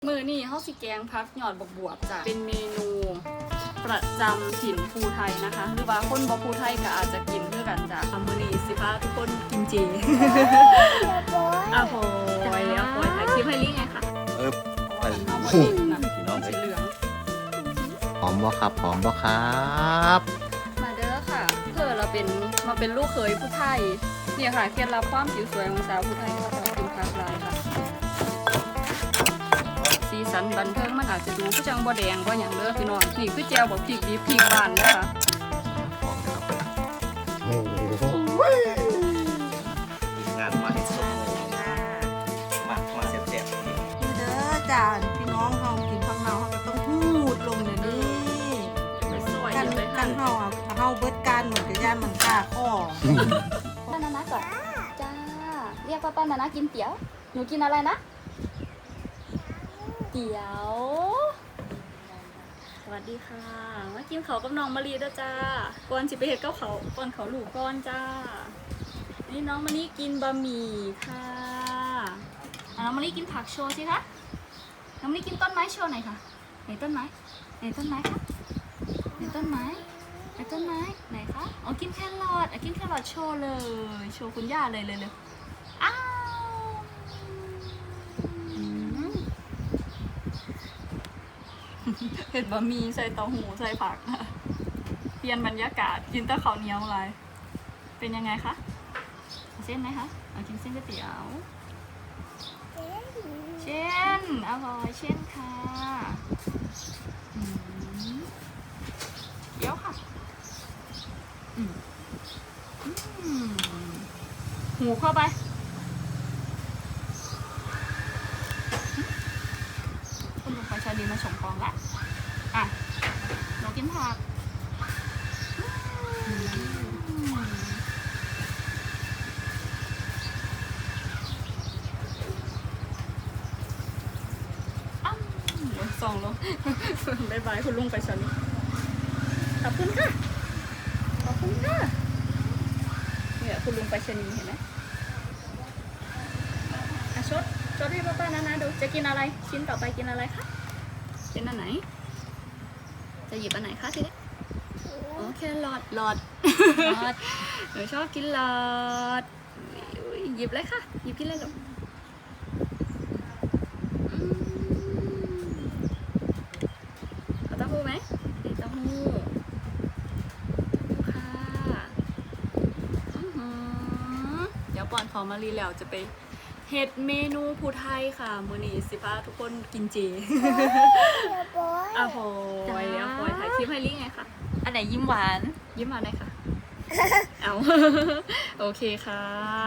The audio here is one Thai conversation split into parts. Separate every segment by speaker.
Speaker 1: มือนี่เฮาสิแกงพักหยอดบวบจ้ะเป็นเมนูประจำถิ่นภูไทยนะคะหรือว่าคนบ่ภูไทยก็อาจจะกินเพื่อกันจ้ะมือนี่สิพาทุกคนกินเจอ้าวโหยแล้วโหยถ่ายคลิปให้ลิงไงคะ
Speaker 2: ไป
Speaker 1: น้องสีเหลือง
Speaker 2: หอมบ่ครับหอมบ่ครับ
Speaker 1: มาเด้อค่ะเพื่อเราเป็นลูกเขยผู้ไทยเนี่ยค่ะเคล็ดลับความผิวสวยของสาวผู้ไทยก็จะกินพักลายค่ะสีสันบันเทิงมันอาจจะดูผู้จังบ่แดงบ่อย่างเด้อพี่น้องนี่คือแจวบอกพริกดิบพริกบานนะคะ
Speaker 2: โอ้โหงานมาให้สมมาเสียบ
Speaker 3: เด้อจ้าพี่น้องเฮากินผักเนาเฮาก็ต้องพูดลงเดี๋ยวนี้กันเฮาเบิดการเหมือนกับย่านมันฆ่าข้อ
Speaker 1: ป้านานะก่อนจ้าเรียกป้านานะกินเตี๋ยวหนูกินอะไรนะเตี๋ยวสวัสดีค่ะมากินเขากับน้องมะลิด้วยจ้าก่อนสิไปเห็ดกับเขาก่อนเขาลูกก้อนจ้านี่น้องมะลิกินบะหมี่ค่ะน้องมะลิกินผักโชว์สิคะน้องมะลิกินต้นไม้โชว์หน่อยค่ะไหนต้นไม้ไหนต้นไม้คะไหนต้นไม้ไหนต้นไม้ไหนคะอ๋อกินแครอทกินแครอทโชว์เลยโชว์คุณย่าเลยอ้าวเห็ดบะหมี่ใส่เต้าหู้ใส่ผักเปลี่ยนบรรยากาศกินแต่ข้าวเหนียวอะไรเป็นยังไงคะเส้นไหมคะเอากินเส้นก๋วยเตี๋ยวเช่นอร่อยเช่นค่ะเดี๋ยวค่ะหูเข้าไปคุณลุงไปชาลีมาส่งกองแล้วอ่ะเรากินผักส่องลงบายบายคุณลุงไปชาลีขอบคุณค่ะขอบคุณค่ะเนี่ยคุณลุงไปชาลีเห็นไหมชดให้ป้านะดูจะกินอะไรชิ้นต่อไปกินอะไรคะเป็นอันไหนจะหยิบอันไหนคะทีนี้โอเคหลอดหนูชอบกินหลอดหยิบเลยค่ะหยิบกินเลยลูกเอาเต้าหู้ไหมเต้าหู้ค่ะเดี๋ยวก่อนของมารีแล้วจะไปเฮ็ดเมนูภูไทยค่ะมื้อนี้สิพาทุกคนกินเจอ้าวโหยแล้วโหยถ่ายคลิปให้ลิงไงค่ะอันไหนยิ้มหวานได้ค่ะ เอาโอเคค่ะ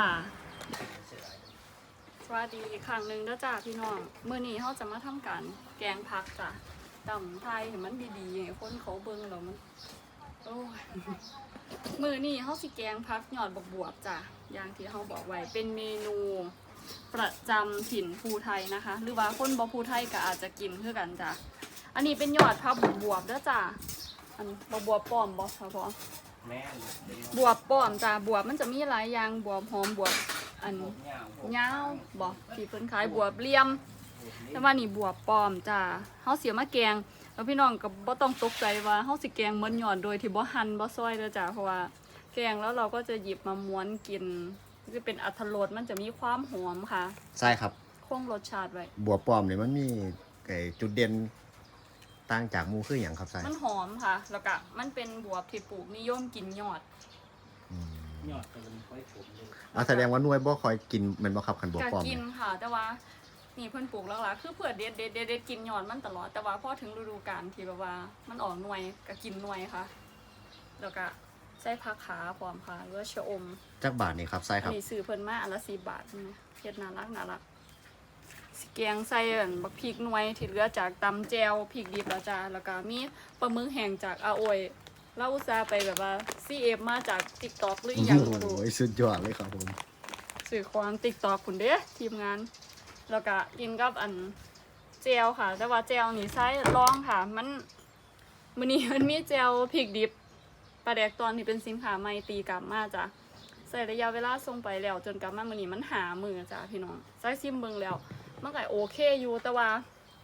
Speaker 1: สวัสดีอีกครั้งหนึ่งนะจ้าพี่น้องมื้อนี้เราจะมาทำการแกงผักจ้ะตำไทยเห็นมันดีๆให้คนเขาเบิ่งแล้วมันโอ้ยมื้อนี้เราสิแกงผักหยอดบวบจ้ะอย่างที่เราบอกไว้เป็นเมนูประจำถิ่นภูไทยนะคะหรือว่าคนบ่ภูไทยก็อาจจะกินเพื่อกันจ้ะอันนี้เป็นยอดผักบวบเด้อจ้ะอันบวบป้อมบ่ค่ะพ่อบวบป้อมจ้ะบวบมันจะมีหลายอย่างบวบหอมบวบอันยาวบ่ที่เพิ่นขายบวบเหลี่ยมแต่ว่านี่บวบป้อมจ้ะเฮาเสียมาแกงแล้วพี่น้องก็บ่ต้องตกใจว่าเฮาสิแกงเหมือนยอดโดยที่บ่หั่นบ่ซอยเด้อจ้ะเพราะว่าแกงแล้วเราก็จะหยิบมาม้วนกินจะเป็นอรรถรสมันจะมีความหอมค่ะ
Speaker 2: ใช่ครับ
Speaker 1: คงรสชาติไว้
Speaker 2: บัวปลอมเนี่ยมันมีจุดเด่นต่างจากหมูคืออย่างครับใช่
Speaker 1: มันหอมค่ะแล้วก็มันเป็นบวบที่ปลูกนิยมกินยอด
Speaker 2: ก็เป็นค่อยผมแสดงว่าหน่วยบ่คอยกินมันบ่ครับคันบัวปลอม
Speaker 1: กินค่ะแต่ว่านี่เพิ่นปลูกแล้วล่ะคือเพื่อเด็ดกินยอดมันตลอดแต่ว่าพอถึงฤดูกาลที่แบบว่ามันออกหน่วยก็กินหน่วยค่ะแล้วก็ใส่ผักขาพร้อมค่ะหรือว่าชะอม
Speaker 2: จักบาทนี่ครับใช่ครับ
Speaker 1: นี่ซื้อเพิ่นมาอันละ10 บาทเฮ็ดน่ารักสิแกงใส่บักพริกหน่วยที่เหลือจากตำแจวพริกดิบแล้วจ้าแล้วก็มีปลาหมึกแห้งจากอาโอยเราอุตส่าห์ไปแบบว่า CF มาจาก TikTok หรืออย่าง
Speaker 2: โอ้ยสุดยอดเลยครับผม
Speaker 1: สื่อความ TikTok คุณเด้ทีมงานแล้วก็กินกับอันแจวค่ะแต่ว่าแจวนี่ใช้ลองค่ะมันมื้อนี้มันมีแจวพริกดิบปลาแดกตอนที่เป็นสินค้าใหม่ตีกลับมาจ้ะใส่ระยะเวลาส่งไปแล้วจนกลับมามื้อนี้มันหามือจ้ะพี่น้องใส่ซิมเบิ่งแล้วมันก็โอเคอยู่แต่ว่า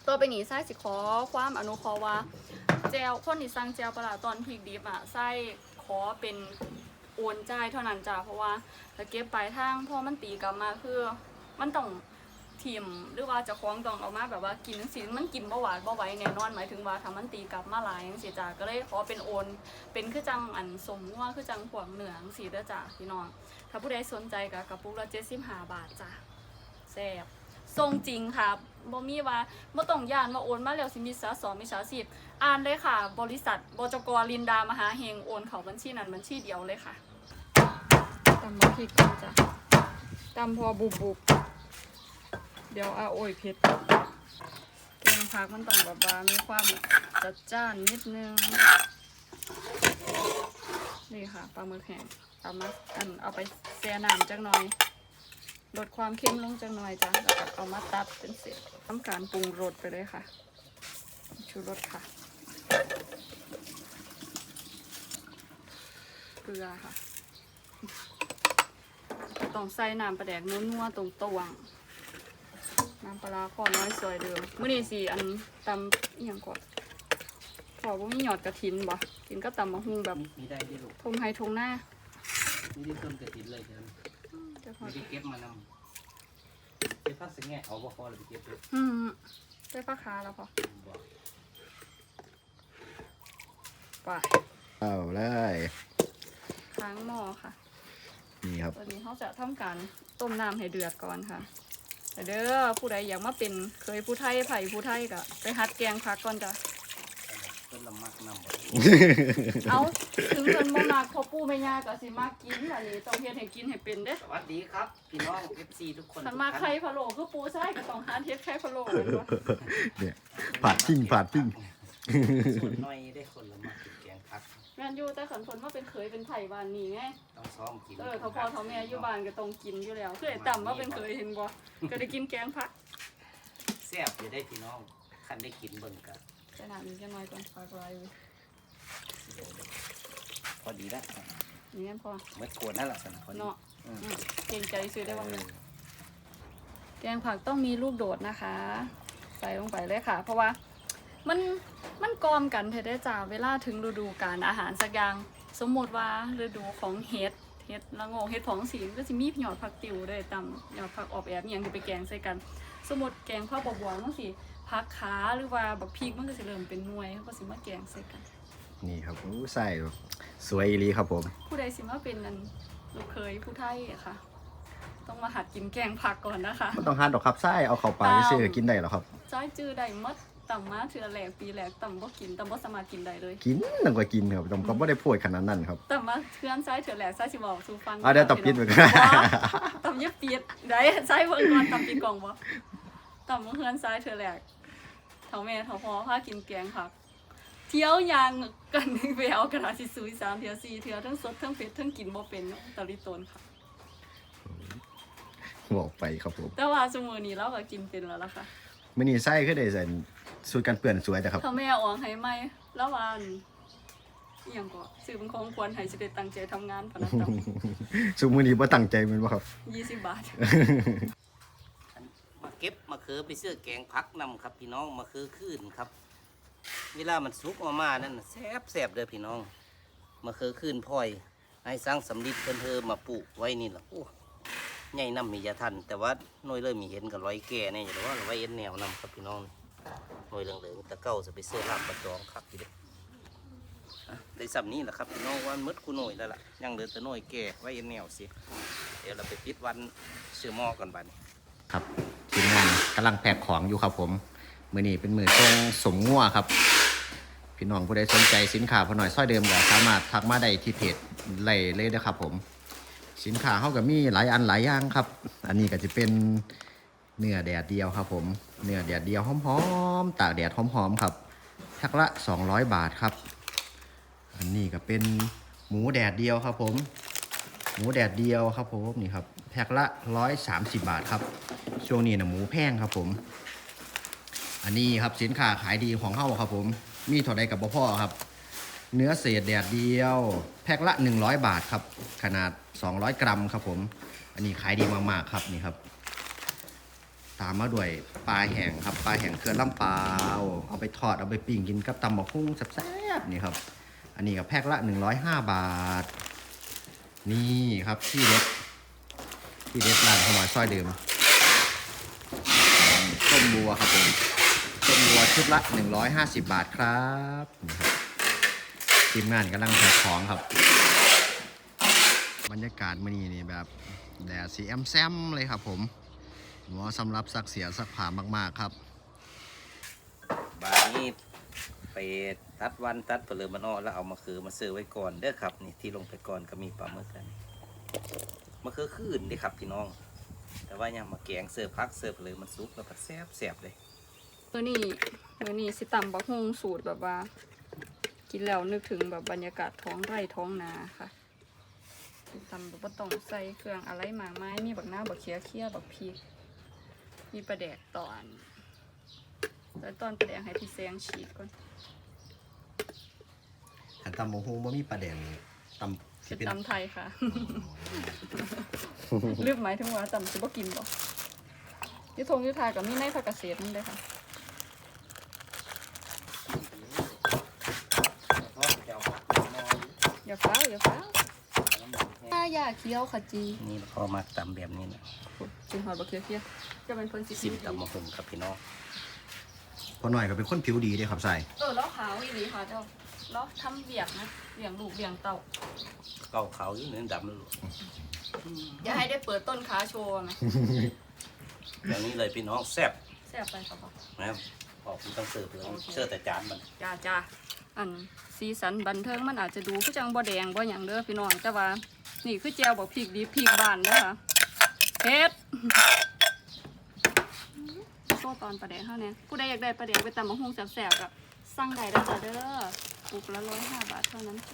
Speaker 1: ตัวไปนี่ไส้สิขอความอนุเคราะห์ว่าแจวคนที่สั่งแจวปลาร้าตอนพริกดิบอ่ะไส้ขอเป็นโอนจ่ายเท่านั้นจ้ะเพราะว่าถ้าเก็บปลายทางพอมันตีกลับมาคือมันต้องทิมหรือว่าเจะคล้าของต้องเอามาแบบว่ากินจังซี่มันกินบ่หวานบ่ไหวแน่นอนหมายถึงว่าถ้ามันตีกลับมาหลายจังซี่จ้ะก็เลยขอเป็นโอนเป็นคือจังอันสมว่าคือจังพวกเหนือจังซี่เด้อจ้ะพี่น้องถ้าผู้ใดสนใจก็กระปุกละ75 บาทจ้ะแซ่บทรงจริงค่ะบ่มีว่าบ่ต้องย่านว่าโอนมาแล้วสิมีสาสมิจฉาชีพอ่านเลยค่ะ บริษัทบจก.ลินดามหาเฮงโอนเข้าบัญชีนั้นบัญชีเดียวเลยค่ะตำมะพริกก่อนจ้ะตำพอบุบเดี๋ยวโอ้ยเผ็ดแกงผักมันต้องแบบว่ามีความจัดจ้านนิดนึงนี่ค่ะปลาหมึกแห้งเอาไปแช่น้ำจักหน่อยลดความเค็มลงจักหน่อยจ้ะแล้วก็เอามาตัดเป็นเศษทำการปรุงรสไปเลยค่ะชูรสค่ะเกลือค่ะต้องใส่น้ำปลาแดกนัวๆตรงตวงน้ำปลาข้อน้อยสวยเดิมมื้อนี้สิอันตำอีหยังก่อนขอบ่มีหยอดกระถินบ่กินก็ตำมะฮุ่งแบบ
Speaker 4: มีได้ที่ลูก
Speaker 1: ทงไฮทงหน้า
Speaker 4: มีได้ต้นกระถินเลยจ้ะ
Speaker 1: จะพอ
Speaker 4: ไม่ได้เก็บมานำเก็บพักสังแง่เอาบ่พอเลยไปเก็บเลย
Speaker 1: ได้ปลาคาแล้วพอ
Speaker 4: บอก
Speaker 1: ไป
Speaker 2: เอาเลย
Speaker 1: ค้างหม้อค่ะ
Speaker 2: นี่ครับ
Speaker 1: ตอนนี้เขาจะทำการต้มน้ำให้เดือดก่อนค่ะแต่เด้อผู้ใดอยากมาเป็นเคยผู้ไทยไผ่ผู้ไทยก็ไปหัดแกงผักก่อนจ้ะ
Speaker 4: ต้นละมักนำบ่
Speaker 1: เอาถึงเพิ่นบ่มักพอปู่แม่ย่าก็สิมากินอันนี้ต้องเฮ็ดให้กินให้เป็นเด้
Speaker 4: สวัสดีครับพี่น้อง FC ทุกคน
Speaker 1: คันมาไข่พะโล้คือปู่ใส่ก็ต้องหาเฮ็ดไข่พะโล้แม่นบ่
Speaker 2: เนี่ยผาดทิ้ง
Speaker 4: ส่วนน้อยได้คนละมักกินแกงผัก
Speaker 1: แม่นอยู่แต่คันเพิ่นมาเป็นเคยเป็นไผบ้านนี้ไง
Speaker 4: ต้องซ้อมกิน
Speaker 1: เท่าพ่อเท่าแม่อยู่บ้านก็ต้องกินอยู่แล้วคือไอ้ต่ำว่าเป็นเคยเห็นบ่ก็ได้กินแกงผัก
Speaker 4: แซ่บอยู่ได้พี่น้องคันได้กินเบิ่งกัน
Speaker 1: ใส่น้ำนิดหน่อยก่อนผักลายอยู่
Speaker 4: พอดีแล้ว
Speaker 1: นี่แม่นพอ
Speaker 4: เมื่อโกนนั่นแหละสันพอดี
Speaker 1: เนาะเกรงใจซื้อได้บ้างแกงผักต้องมีลูกโดดนะคะ ใส่ลงไปเลยค่ะ เพราะว่ามันกอมกันเทได้จ้าเวลาถึงฤดูกาลอาหารสักอย่างสมมติว่าฤดูของเห็ดละโงกเห็ดผองสีก็จะมีหยอดผักติ๋วด้วยตำหยอดผักออบแอบอย่างที่ไปแกงใส่กัน สมมติแกงข้าวบวบมันสิผักขาหรือว่าบักพริกมันก็สิเริ่มเป็นหน่วยเขาก็สิมาแกงใส่กัน
Speaker 2: นี่ครับอู้ใส่สวยอีหลีครับผม
Speaker 1: ผู้ใดสิมาเป็นนั่นลูกเคยผู้ไทยอะค่ะ ต้องมาหัดกินแกงผักก่อนนะคะ
Speaker 2: ไม่ต้องหาดอกครับไส้เอาเข้าปากซื้อๆกินได้หรอครับ
Speaker 1: จ้อยจื้อได้หมดต่ำมาเทื่อแหลกปีแหลกต่ำบ่กินต่ำบ่สามารถกินได้เลย
Speaker 2: กินต้องก็กินครับผมก็ไม่ได้พูดขนาดนั้นครับ
Speaker 1: ต่ำมาเทื่อนซ้ายเทื่อแหลกซ้ายสิบอกสู่ฟัง
Speaker 2: เดี๋ยวตบปิดไปกัน
Speaker 1: ต่ำเย็บปีดได้ซ้ายเบิ่งก่อนต่ำปีกล่องบ่ต่ำมาเทื่อนซ้ายเทื่อแหลกเฒ่าแม่เฒ่าพ่อพากินแกงผัก เที่ยวยางกันไปเอากระดาษทิชชู่3เทื่อ4เทื่อทั้งสดทั้งเผ็ดทั้งกินบ่เป็นตะลิโตนค่ะ
Speaker 2: บอกไปครับผม
Speaker 1: แต่ว่าซุมื้อนี้เราก็กินเป็นแล้วล่ะค่ะ
Speaker 2: มื้อนี้ไส้คือได้ใส่สูตรกันเปื้อนสวยแต่ครับ
Speaker 1: ถ้าแม่ออกให้ไหมแล้ววันอหย่างก็ซื้อเป็นของควรให้สิได้ตั้งใจทำงานพนันต่
Speaker 2: สูมื้อนี้บ่ตั้งใจแมันบ่ครับ
Speaker 1: ำ20 บาท
Speaker 4: มาเก็บมะเขือไปซื้อแกงผักนำครับพี่น้องมะเขือคืนครับ เวลามันสุกออกมานั่นน่ะแซ่บเด้อพี่น้องมะเขือคืนพ่อยให้สร้างสำลิดเพิ่นเธอมาปลูกไว้นี่ล่ะโอ้ใหญ่น้ำมียาทันแต่ว่าหน่วยเลยมีเห็นกับร้อยแก่เนี่ยอยู่แต่ว่าไว้เอ็นแนวนำครับพี่น้องหน่วยเหลืองๆตะเก้าจะไปเสื้อลาบประจองครับพี่เด้อได้สำนี้แหละครับพี่น้องวันมืดกูหน่วยแล้วล่ะยังเหลือแต่หน่วยแก่ไว้เอ็นแนวสิเดี๋ยวเราไปปิดวันเชื่อหม้อกันบัดนี้
Speaker 2: ครับทีมงานกำลังแพ็คของอยู่ครับผมมื้อนี้เป็นมื้อตรงสมงัวครับพี่น้องผู้ใดสนใจสินค้าพอหน่อยซ้อยเดิมก็สามารถทักมาได้ที่เพจไล่เลยนะครับผมสินค้าเฮาก็มีหลายอันหลายอย่างครับอันนี้ก็จะเป็นเนื้อแดดเดียวครับผมเนื้อแดดเดียวหอมๆตากแดดหอมๆครับแพ็คละ200 บาทครับอันนี้ก็เป็นหมูแดดเดียวครับผมหมูแดดเดียวครับผมนี่ครับแพ็คละ130 บาทครับช่วงนี้นะหมูแพงครับผมอันนี้ครับสินค้าขายดีของเฮาครับผมมีเท่าใดกับบ่พอครับเนื้อเศษแดดเดียวแพ็คละ100 บาทครับขนาด200 กรัมครับผมอันนี้ขายดีมากๆครับนี่ครับตามมาด้วยปลาแห้งครับปลาแห้งเครือลำปาวเอาไปทอดเอาไปปิ้งกินกับตำบักหุ่งแซ่บๆนี่ครับอันนี้กับแพ็คละ105 บาทนี่ครับที่เด็ดร้านขมอยซอยเดิมต้มบัวครับผมต้มบัวชุดละ150 บาทครับนี่ครับทีมงานกำลังแพ็คของครับบรรยากาศมื้อนี้นี่แบบแดดสีแอมแซมเลยครับผมเหมาะสำหรับซักเสียซักผ้ามากๆครับ
Speaker 4: บาดนี้ไปตัดวันตัดเปลือกมันออกแล้วเอามาคือมาเสิร์ฟไว้ก่อนเด้อครับนี่ที่ลงไปก่อนก็มีปลาหมึกกันมะเขือคืนเด้ครับพี่น้องแต่ว่ายังมาแกงเสิร์ฟพักเสิร์ฟเลยมันซุปแล้วก็แซ่บเลย
Speaker 1: มื้อนี้สิตำบักฮุงสูตรแบบว่า กินแล้วนึกถึงแบบบรรยากาศท้องไร่ท้องนาค่ะตำแบบบ่ต้องใส่เครื่องอะไรมากมายมีบักหน้าบักเขียบักพริกมีปลาแดกตอนแล้วตอนปลาแดกให้พี่แซงฉีกก่อน
Speaker 2: อันตำบักหุ่งบ่มีปลาแดงนี่ตำที่
Speaker 1: เป็น
Speaker 2: เป็น
Speaker 1: ตำไทยค่ะ ลืมหมายถึงว่าตำสิบ่กินบ่ยุทงยุทธากับมีในภาคเกษตรนั่นเลยค่ะอย่าฟ้าวอย่าเคี้ยวค่ะจี
Speaker 4: นี่พอมาตำแบบนี้นะ
Speaker 1: จินหอดบักเคี้ยวจะเป็นคนสิ
Speaker 4: ซิมตำมะฮุงครับพี่น้อง
Speaker 2: พอหน่อยก็เป็นคนผิวดีเด้ครับใส่
Speaker 1: แล้วขาวอีหลีค่ะเจ้าแล้วทำเบียกนะเบียงลูกเบียงเต่า
Speaker 4: เก่าเขาอยู่เนื้อดำเลยลูก
Speaker 1: อย่าให้ได้เปิดต้นขาโชว์ไหม
Speaker 4: อย่างนี้เลยพี่น้องแซ่บ
Speaker 1: แซ่บไปครับพ่อ
Speaker 4: นะครับพอผมต้องเสิร์ฟเลยเสิร์ฟแต่จานมัน
Speaker 1: จ้าอันสีสันบันเทิงมันอาจจะดูคือจังบ่แดงบ่หยังเด้อพี่น้องแต่ว่านี่คือแจวบอกพริกดีพริกบ้านเด้อค่ะเผ็ดโซ่ตอนปลาแดกเท่านี้ผู้ใดอยากได้ปลาแดกไปตำมะฮุ่งแซ่บๆก็สั่งได้เด้อจ้าเด้อปุกละ105 บาทเท่านั้นจ้า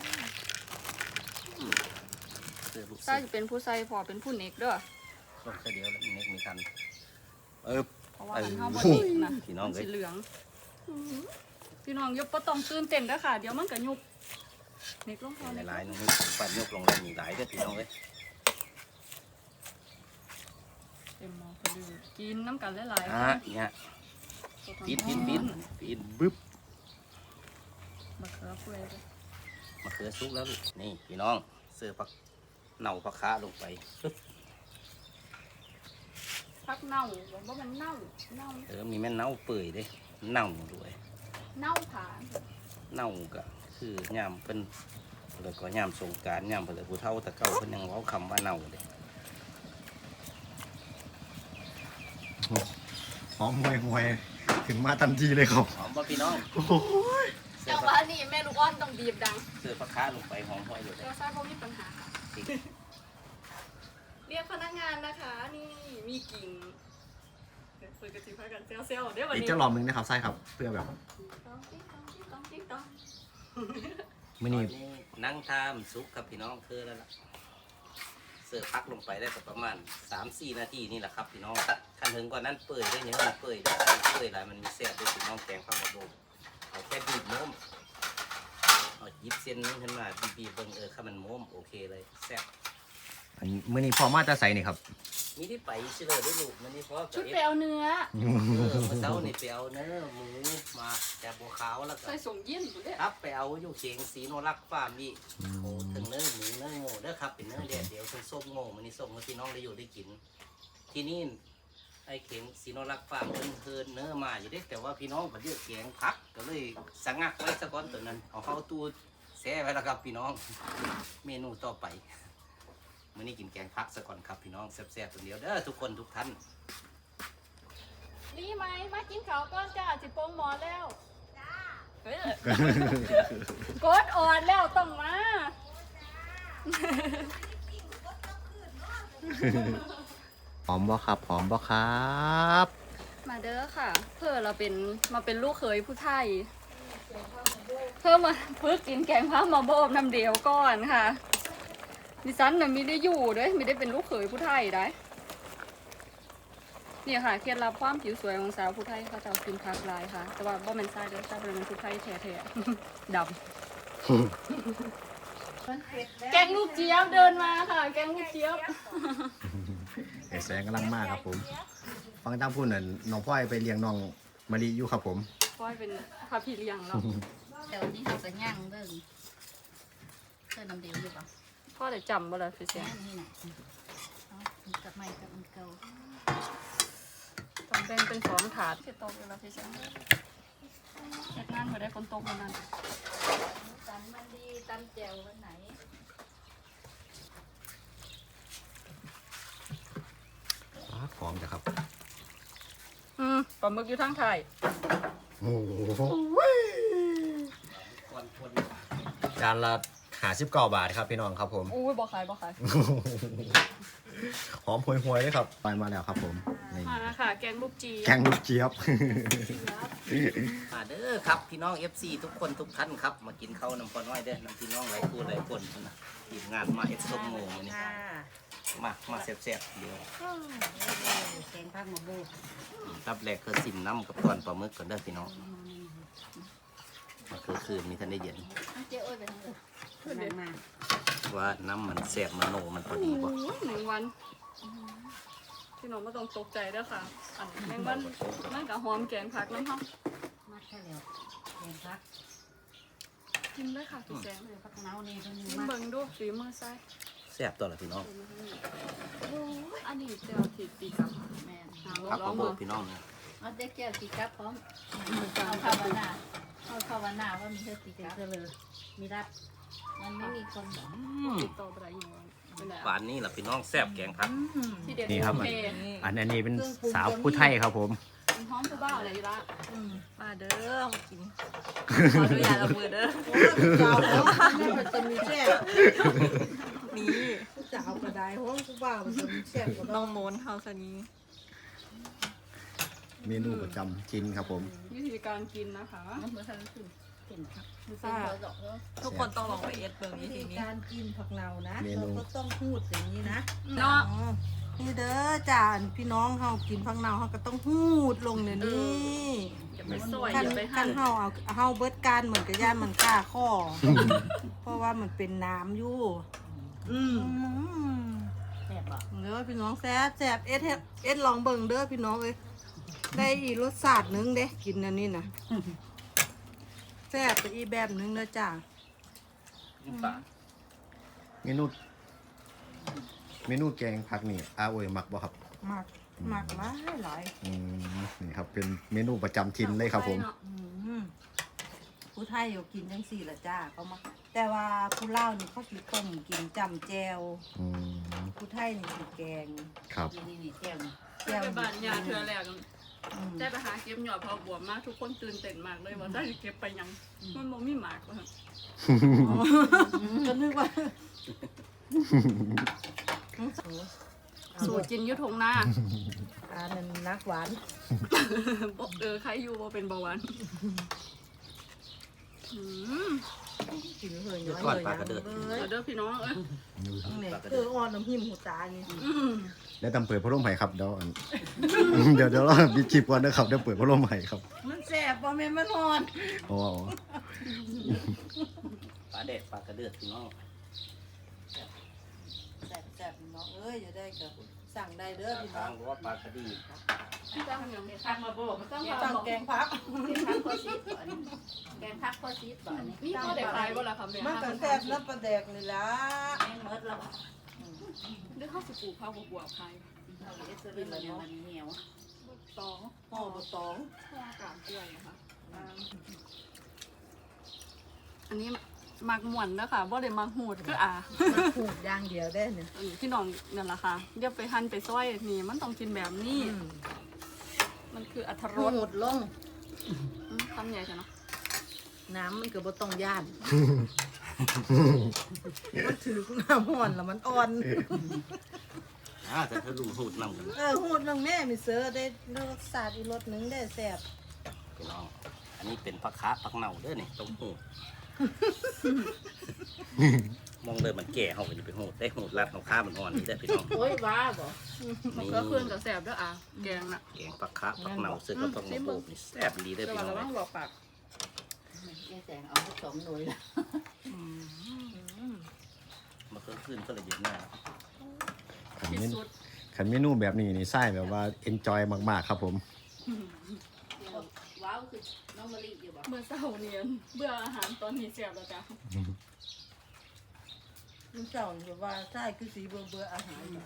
Speaker 4: เสิร์ฟลูก
Speaker 1: ใส่
Speaker 4: เสิร์ฟ
Speaker 1: จะเป็นผู้ใส่พอเป็นผู้เน็กเด้อ
Speaker 4: ต้มแค่เดียวแล้วมีเน็กมีทัน
Speaker 1: เพราะว่ามันเฮาบ่เน็กนะ
Speaker 4: พี่น้อง
Speaker 1: มัน
Speaker 4: เอ้
Speaker 1: สี
Speaker 4: ย
Speaker 1: เหลืองพี่น้องยกบ่ต้องตื่นเต้นเด้อค่ะ เดี๋ยวมันก็ยุบเน็กลงพอ
Speaker 4: ใน
Speaker 1: เน็ก
Speaker 4: หลายหนึงปัดยกลงแล้วมีหลายเด้อพี่น้องเอ้ย
Speaker 1: เต็มหม้อพอดีกินน้ำกันหลายๆ
Speaker 4: เนี่ยปิดบึ๊บ
Speaker 1: มะเขือเปื่อยเด้อ
Speaker 4: มะเขือซุกแล้วลูกนี่พี่น้องเสิร์ฟผักเน่าผักขาลงไปปึ๊บ
Speaker 1: ผักเน่าบอกว่ามันเน่า
Speaker 4: มีแม่เน่าเปื่อยเด้เน่าด้วย
Speaker 1: เน่าผา
Speaker 4: เน่าก็คือย่ามเพิ่นแล้วก็ย่ามสงกรานต์ย่ามเพิ่นเลยผู้เฒ่าตะเก้าเพิ่นยังเว้าคำว่าเน่าเด้
Speaker 2: หอมห่วยถึงมาทันทีเลยครับ
Speaker 4: หอมบ่พี่น้อง เสิ
Speaker 1: แต่
Speaker 4: ร์ฟ
Speaker 1: ว่านี่แม่ลูกอ้อนต้องบีบดัง
Speaker 4: เสิร์ฟผักขาลงไปหอมห้อยอยู่
Speaker 1: เดี๋
Speaker 4: เด้
Speaker 1: ยวซ่าบ่มีปัญหาค่ะ เรียกพนักงานนะคะ นี่มีกิ่งเดี๋ยวเปิดกระติบให้กันเซลล์เดี๋ยววัน
Speaker 2: อีก
Speaker 1: นี้
Speaker 2: จะรอบนึงนะครับใส่ครับเพื่อแบบ
Speaker 1: ต้องติ๊ก
Speaker 2: มื้อนี้
Speaker 4: นั่งทามซุกครับพี่น้องคือแล้วล่ะเสิร์ฟพักลงไปได้ประมาณ 3-4 นาทีนี่แหละครับพี่น้องคันถึงกว่านั้นเปื่อยได้ยังมันเปื่อยได้เปื่อยหลายมันมีแซ่บด้วยพี่น้องแกงข้าวกระโดดเอาแค่บีบโม้มเอาหยิบเส้นนี้ขึ้นมาบีบเบิ่งข้ามันโม้มโอเคเลยแซ่บ
Speaker 2: อันมื้อนี้พอมาจะใส่นี่ครับ
Speaker 4: มีที่ไปชิเลยด้วยลูกมันนี่เพราะ
Speaker 1: ชุดไปเอาเนื้อ
Speaker 4: เมื่อเช้านี่ไปเอาเนื้อหมูมาจากบัวขาวแล้วก็
Speaker 1: ใส่ส่งเย็นอยู่เด้
Speaker 4: ครับไปเอาอยู่เชียงศรีโนรักฟาร์มนี่โอ้ถึงเนื้อหมูเนื้อโง่เด้อครับเป็นเนื้อแดดเดียวถึงส้มโง่มันนี่ส้มให้พี่น้องได้อยู่ได้กิน ที่นี่ไอ้เข็งศรีโนรักฟาร์มเพิ่นเพิ่นเนื้อมาอยู่เด้แต่ว่าพี่น้องเพิ่นเลือกแกงพักก็เลยสังงักไว้ซะก่อนตัวนั้นเอาเข้าตู้แช่ไว้แล้วครับพี่น้องเมนูต่อไปมื้อนี้กินแกงพักซะก่อนครับพี่น้องแซ่บๆตัวเดียวเด้อทุกคนทุกท่าน
Speaker 1: รีไหมมากินข้าวก้อนจ้าสิโป่งหมอแล้วจ้ากดอ่อนแล้วต้องมา
Speaker 2: หอมบ่ครับหอมบ่ครับ
Speaker 1: มาเด้อค่ะ เพื่อเราเป็นมาเป็นลูกเขยผู้ไทย เพื่อมาฝึกกินแกงผ้ามาโบบน้ำเดียวก่อนค่ะดิฉันน่ะไม่ได้อยู่ด้วยไม่ได้เป็นลูกเขยผู้ไทยได้นี่ค่ะเคล็ดลับความผิวสวยของสาวผู้ไทยเขาจะกินผักหลายค่ะ แต่ว่าบ่แม่นทรายเด้อทรายเป็นผู้ไทยแท้ๆ ดำแกงลูกเจี๊ยบเดินมาค่ะ แกงลูกเจี๊ยบ
Speaker 2: ไอ้แสงกำลังมากครับผม ไฟฟังตั้งพูดน่ะน้องพ่อยไปเลี้ยงน้องมะลิอยู่ครับผม
Speaker 1: พ่อยเป็นพาพี่เลี้ยงแล้ว
Speaker 5: เดี๋ยวนี้เขาจะย่างเบิ่งเสื้อน้ำเดียวอยู่ป่ะ
Speaker 1: พ่อได้จำบ่ล่ะพี่แส
Speaker 5: แค่
Speaker 1: ง
Speaker 5: นี้น่ะกับไม้กับมันเก่า
Speaker 1: ต้องแบ่งเป็น2ถาดสิตกอยู่แล้วพี่แสงเฮ็ดงานบ่ได้ฝนตกมื้อนั้น
Speaker 5: ตำมันดีตำแจ่ววันไหน
Speaker 2: หอมจ้ะครับ
Speaker 1: ปลาหมึกอยู่ทางไทย
Speaker 2: โอ้โหจานละ59 บาทครับพี่น้องครับผม
Speaker 1: อุ้ยบ่ขาย
Speaker 2: หอมห่วยๆเลยครับไปมาแล้วครับผมนี่
Speaker 1: มาค่ะแกงลูกจี
Speaker 2: แกงลูกเจี๊ยบ
Speaker 4: มาเด้อครับพี่น้อง FC ทุกคนทุกท่านครับมากินข้าวน้ำพอน้อยเด้อน้ำพี่น้องหลายคู่หลายคนนะทีมงานมาเอ็ดส้มโมงนี่มาแซ่บๆเดี๋ยว
Speaker 5: แกงผักหมกบู
Speaker 4: รับแรกคือซิมน้ำกับตอนปลาหมึกก่อนเด้อพี่น้องมาคือคืนมีทันได้เย็น
Speaker 5: เจ้าอ้อยไปทางอื่นมา
Speaker 4: ว่าน้ำมันแซ่บมันโนมันพอดีบ่
Speaker 1: 1 วันพี่น้องไม่ต้องตกใจเด้อค่ะอันแมงวันมันกับหอมแกงผักน้ำหอม
Speaker 5: มาแค่แล้วแกงผัก
Speaker 1: กินเลยค่ะพี่แสง
Speaker 5: ผักเน่านี่เพิ่น
Speaker 1: ชิม
Speaker 5: มา
Speaker 1: เบิ่งดูฝีมือซ้าย
Speaker 4: แซ่บตัวละพี่น้อง
Speaker 1: โอ้ยอันนี้เจียวผิดปีกับ
Speaker 5: แม่น
Speaker 1: หา
Speaker 4: ครับ
Speaker 1: ล
Speaker 4: ผ
Speaker 1: อง
Speaker 4: ม
Speaker 1: เบิ่ง
Speaker 4: พี่น้องนะ
Speaker 5: เอาเด็กแก้วสีกับพร้อมเอาภาวนาว่ามีเธอสีกับเลยมีรับมันไม่มีคนบอก
Speaker 1: ติดต่อไปได้ยังไงเป็นไร
Speaker 4: ป่านนี้ล่ะพี่น้องแซ่บแกงผัก
Speaker 1: ที่เด็ด
Speaker 2: นี่ครับ
Speaker 1: โอเค
Speaker 2: อันนี้เป็นสาวผู้ไทยครับผม
Speaker 1: มันหอมผู้บ้าอะไรอยู่ละ
Speaker 6: มาเด้อมากินขออนุญาตเอามือเด้อ
Speaker 3: โอ้ยเจ้าแล้วมันจะมีแซ่บ
Speaker 6: นี่
Speaker 3: เจ้าก็ได้ห้องกูบ่าวมันจะมีแซ่บกว่า
Speaker 6: น้องโมนเฮาสนี้
Speaker 2: เมนูประจำจินครับผม
Speaker 1: วิธีการกินนะคะ
Speaker 5: มันเหมือนทางขึ้นเห็นครับมันเป็นตัวดอกแล้ว
Speaker 6: ทุกคนต้องลองไปเอ็ดเบิ่ง
Speaker 3: วิ
Speaker 6: วิธี
Speaker 3: ธี
Speaker 6: นี้
Speaker 3: การกินผักเนานะ
Speaker 2: เมนู
Speaker 3: เราก็ต้องพูดอย่างนี้นะ
Speaker 1: เนาะ
Speaker 3: อ๋อนี่เด้อจ้าพี่น้องเฮากินผักเนาเฮาก็ต้องพูดลงเดี๋ยวนี้
Speaker 1: อย่าไปซอย
Speaker 3: คัน
Speaker 1: อย่าไป
Speaker 3: คั
Speaker 1: หั่
Speaker 3: น
Speaker 1: น
Speaker 3: เฮาเบิดการเหมือนกับย่านมันกล้าข้อ เพราะว่ามันเป็นน้ำอยู่อืม
Speaker 5: แซ่บบอก
Speaker 3: เด้อพี่น้องแซ่บแซ่บเอ็ดลองเบิ่งเด้อพี่น้องเอ้ยได้อีกรสชาติหนึงเด้กินอันนี้น่ะแซ่บไปอีกแบบหนึงเด้อจ้า
Speaker 4: ป่า
Speaker 2: เมนูแกงผักนี่อาโอยมักบ่ครับ
Speaker 3: หมักหลายหลาย
Speaker 2: นี่ครับเป็นเมนูประจำทินเลยครับผม
Speaker 3: อืมผู้ไทยอยู่กินจังสี่ละจ้าเขามาแต่ว่าผู้ลาวนี่เขาสิต้มกินจำแจว
Speaker 2: อืม
Speaker 3: ผู้ไทยนี่สิแกง
Speaker 2: ครับ
Speaker 5: นี่แก้วนี่
Speaker 3: แจว
Speaker 1: ไปบ้านยาเธอแรก
Speaker 3: อืม
Speaker 1: ได้ไปหาเก็บหยอดพอบวมมากทุกคนตื่นเต้นมากเลยว่าได้เก็บไปยังมันบ่มีหมากเลย
Speaker 3: ก็นึกว่า
Speaker 1: สูตรกินอยุทงหน้า
Speaker 3: อันนั้นนักหวาน
Speaker 1: ใครอยู่ว่าเป็นเบาหวานอืม
Speaker 3: กินเลย
Speaker 4: เดี๋ยว
Speaker 3: น้อย
Speaker 4: ก่อน
Speaker 3: เลย
Speaker 4: ปลากระเดิด
Speaker 3: เลย
Speaker 1: เอาเด้อพี่น้องเอ้ย
Speaker 3: เนี่ยอ่อนน้ำหิมหูตานี่
Speaker 2: แล้วตำเปิดพัดลมไผ่ครับเดี๋ยวอัน เดี๋ยวเรามีคลิปก่อนนะครับเดี๋ยวเปิดพัดลมไผ่ครับ
Speaker 3: มันแสบบ่แม่นมันอ่อน
Speaker 2: อ๋อ
Speaker 4: ปลาเด็ดปลากระเดือดพี่น้อง
Speaker 3: แสบๆน้องเอ้ยอย่าได้ก็สั่งได้เด้อพี่น้
Speaker 4: ทา
Speaker 3: อง ง
Speaker 4: ว่าปลากระดี
Speaker 5: ทางมาโบมันต้อง
Speaker 3: สั่งแกงผัก
Speaker 5: แกงพักโคซีดบ่อนแกงพักโคซีดบ่อน
Speaker 1: นี่ก็ได้ขายบ่ล่ะครับเนี่ย
Speaker 3: มันก็แสบน้ำปลาแดกนี่ล่ะ
Speaker 5: แกงเมิดแล้ว
Speaker 1: เดี๋ยวเข้าสิปลูกข้าวบวบขาย
Speaker 5: เราเอสเตอร์มันเหนียว
Speaker 1: ตอง
Speaker 3: ห่อบ่ตอง
Speaker 1: ข้าวกาบกล้วยนะคะอันนี้มักม่วนนะคะบ่ได้มักหูดคืออ่า
Speaker 3: มันผูกอย่างเดียวได้เนี่ย
Speaker 1: อันนี้พี่น้องนั่นแหละค่ะเดี๋ยวไปหั่นไปซอยนี่มันต้องกินแบบนี้ มันคืออรรถร
Speaker 3: รู
Speaker 1: ส
Speaker 3: ดลง
Speaker 1: คำใหญ่ใช่เนาะ
Speaker 3: น้ำมันก็บ่ต้องย่าน มันถือน้ำห่อนแล้วมันอ่อน
Speaker 4: แต่ถ้าลุงหูดนำกัน
Speaker 3: หูดลงแม่มีเสือได้รสชาติอีรสหนึงได้แซ่บ
Speaker 4: พี่น้องอันนี้เป็นผักคะผักเน่าเด้อนี่ต้องหูดมองเลยมันแก่เขาก็จะไปหูดได้หูดรัดเขาข้ามันอ่อนนี่ได้อพี่น้อง
Speaker 5: โอ้ยว้าบ่
Speaker 1: มันก็เครื่องกับแสบด้วยอ่ะแกงน่ะ
Speaker 4: แกงผักคะผักเน่าซื้อกับผักมะกรูดนี่แซ่บดีเด้อ
Speaker 1: แต่
Speaker 4: พี่
Speaker 1: ว่า
Speaker 4: น้อง
Speaker 1: ระวังบอกปาก
Speaker 5: แกแสงเอาสองหน่วยละ
Speaker 4: มาคืนก็เลยเย็นหน้า
Speaker 2: ขัน
Speaker 1: ที่
Speaker 2: เมนู
Speaker 1: สุด
Speaker 2: ขันเมนูแบบนี้นี่ไส้แบบว่าเอนจอยมากๆครับผม
Speaker 5: เดี๋ยวว้าวคือน้องมะลิอยู่บ่
Speaker 1: เมื่อเช้าเนียนเบื่ออาหารตอนนี้เสียบแล้วจ้ะ
Speaker 3: ลูกเจ้าแบบว่าใช่คือสีเบื่ออาหารอยู่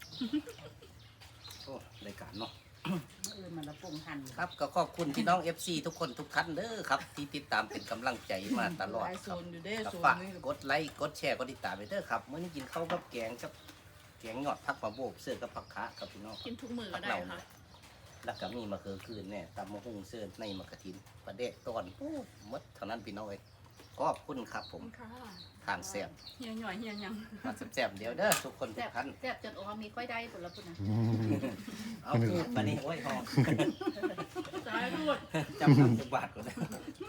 Speaker 4: โอ้รายการเนาะ
Speaker 5: อื่นมันละปรุงหั่น
Speaker 4: ครับก็ขอบคุณพี่น้อง FC ทุกคนทุกท่านเด้อครับ ที่ติดตามเป็นกำลังใจมาตลอด
Speaker 3: หลาย
Speaker 4: ค
Speaker 3: โซ
Speaker 4: รับ
Speaker 3: นอยู่เด้
Speaker 4: ก็
Speaker 3: โซน
Speaker 4: ฝาก
Speaker 3: นี้
Speaker 4: กดไลค์กดแชร์กดติดตามไปเด้อครับมื้อนี้กินข้าวกับแกงกับแกงยอดผักมะโบกเสื้อกับผักคะครับพี่น้อง
Speaker 1: กินทุกมื้อ
Speaker 4: ผั
Speaker 1: ก็
Speaker 4: ก
Speaker 1: ได้
Speaker 4: เหล่า
Speaker 1: ค่ะ
Speaker 4: แล้วก็มีมะเขือคืนเนี่ยตำมะฮุ่งเสื้อในมะกะทินปลาเดะตอนโอ้หมดเท่านั้นพี่น้องเอ้ยขอบคุณครับผม
Speaker 1: ค่ะ
Speaker 4: ทานแซ่บ
Speaker 1: เฮียหน่อยเฮียหยัง
Speaker 4: มาแซ่บๆเดี๋ยวเด้อทุกคนทุ
Speaker 5: แซ่
Speaker 4: ก
Speaker 5: บ
Speaker 4: ท่าน
Speaker 5: แซ่บจนโอ้มีค่อยได้ผลละพุ่นนะ
Speaker 4: เอาพูดมานี่โอ้ยหอม
Speaker 1: สายรวด
Speaker 4: จำนำจักบาทก่อนนะ